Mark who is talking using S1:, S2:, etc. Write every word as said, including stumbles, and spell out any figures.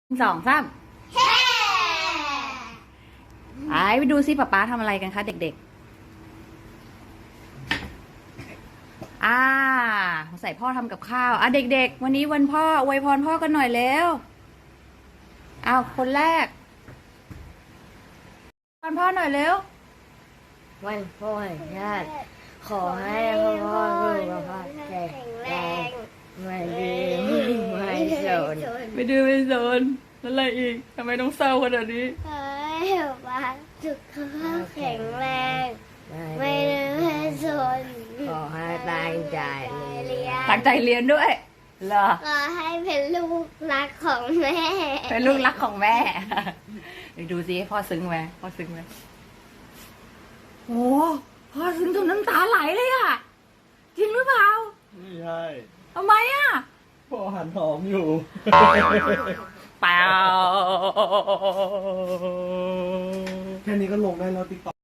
S1: สองสามไอ้ไปดูซิป๊าป๊าทำอะไรกันคะเด็กๆอ่าใส่พ่อทำกับข้าวอ่ะเด็กๆวันนี้วันพ่ออวยพรพ่อกันหน่อยเร็วอ้าวคนแรกพรพ่อหน่อยเร็ว
S2: วันพ่อแห่งชาติขอให้พ่อสุขภาพแข็งแรงไม่ดื้อไม่สน
S1: ไม่ดื้อไม่สนแล้วอะไรอีกทำไมต้องเศร้าขนาดนี้
S2: ขอให้พ่อสุขภาพแข็งแรงไม่ดื้อไม่สนขอให้ตั้งใจเรียน
S1: ตั้งใจเรียนด้วยเหรอ
S2: ขอให้เป็นลูกรักของแม่
S1: เป็นลูกรักของแม่ไปดูซิพ่อซึ้งไหมพ่อซึ้งไหมโอ้พ่อซึ้งจนน้ำตาไหลเลยอะจริงหรือเปล่า
S3: ไม่ใช่
S1: ทำไมอะ
S3: พ่อหันหอมอยู่
S1: เปล่า
S3: แค่นี้ก็ลงได้แล้วติ๊กต็อก